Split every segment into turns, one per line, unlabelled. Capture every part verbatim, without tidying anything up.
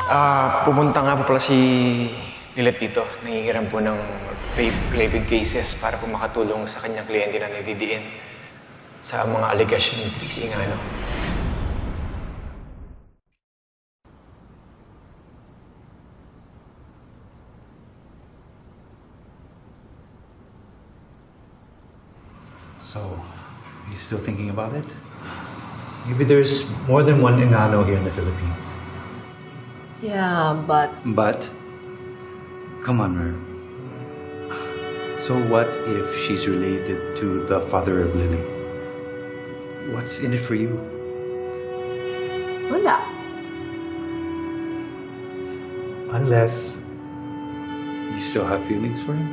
Ah, pumunta nga po pala si Lilet dito. Nangihiram po ng rape-related cases para po makatulong sa kanyang kliyente na nagdidiin sa mga allegation ni Trixie nga, ano.
So, you still thinking about it?
Maybe there's more than one Engano here in the Philippines.
Yeah, but
But, come on, Mer. So what if she's related to the father of Lily? What's in it for you?
wala.
Unless
You still have feelings for him?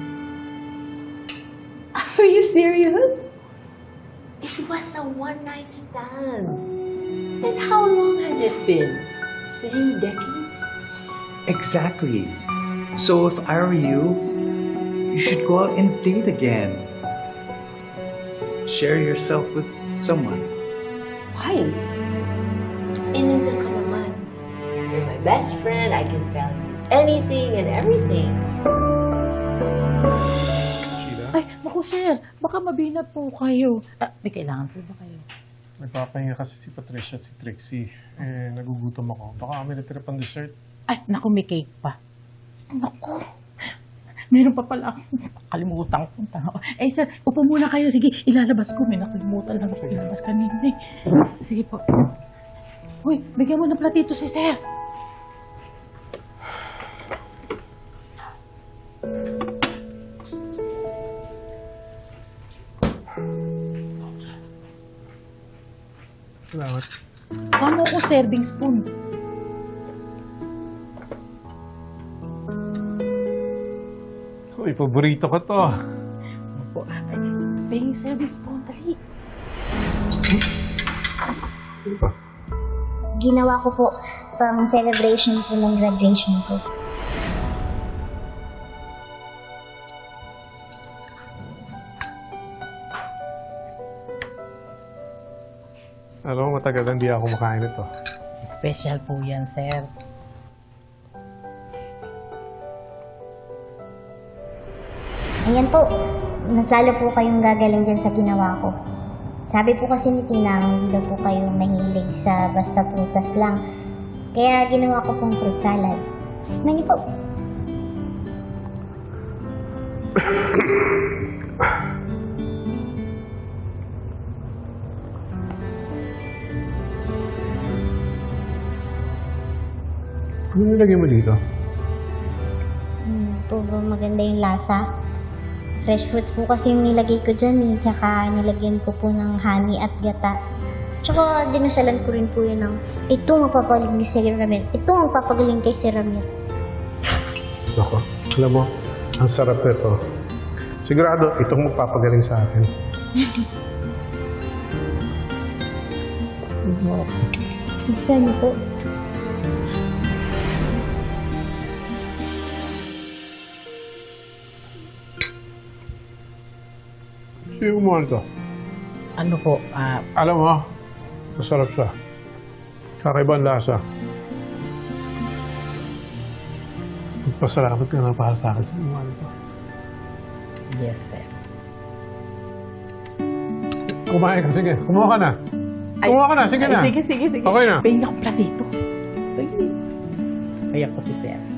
Are you serious? It was a one-night stand. And how long has it been? Three decades?
Exactly. So if I were you, you should go out and date again. Share yourself with someone.
Why? Innocent ka naman. You're my best friend. I can tell you anything and everything.
Ay, naku sir, baka mabinat po kayo. Ah, may kailangan po ba kayo?
Nagpapahinga kasi si Patricia at si Trixie. Eh, nagugutom ako. Baka kami natira pang dessert.
Ay, naku, may cake pa. Naku, meron pa pala ako. Kalimutan ko. punta ako. Eh sir, upo muna kayo. Sige, ilalabas ko. May nakalimutan lang ako ilalabas kanina eh. Sige po. Uy, bigyan mo ng platito si sir.
Salamat.
Ano ko serving spoon?
Uy, paborito ko to.
Opo. Ay, paying serving spoon. Dali.
Ginawa ko po pang celebration po ng graduation ko.
Alam mo, matagal hindi ako makain ito.
Special po yan, sir.
Ayan po, mas lalo po kayong gagaling dyan sa ginawa ko. Sabi po kasi ni Tina, hindi daw po kayo mahilig sa basta prutas lang. Kaya ginawa ko pong fruit salad. Tingnan niyo po.
Ano nilagay mo dito?
Hmm, po ba maganda yung lasa? Fresh fruits po kasi yung nilagay ko dyan eh. Tsaka nilagyan ko po ng honey at gata. Tsaka dinasalan ko rin po yun ng ito magpapagaling ni Sir Ramir. Ito magpapagaling kay Sir Ramir.
Ako, alam mo, ang sarap nito. Sigurado, itong magpapagaling sa akin.
Gusto niyo po?
Sino mo ito?
Ano po, ah,
Alam mo, masarap siya. Kakaibang lasa. Magpasalamat ka na para sa akin sa mga ito.
yes, sir.
Kumain ka, sige. Kumuha ka na. Kumuha ka na, sige
Ay,
na.
Sige, sige, sige.
Okay na.
Pahing akong platito. Sige. Ayan po si sir.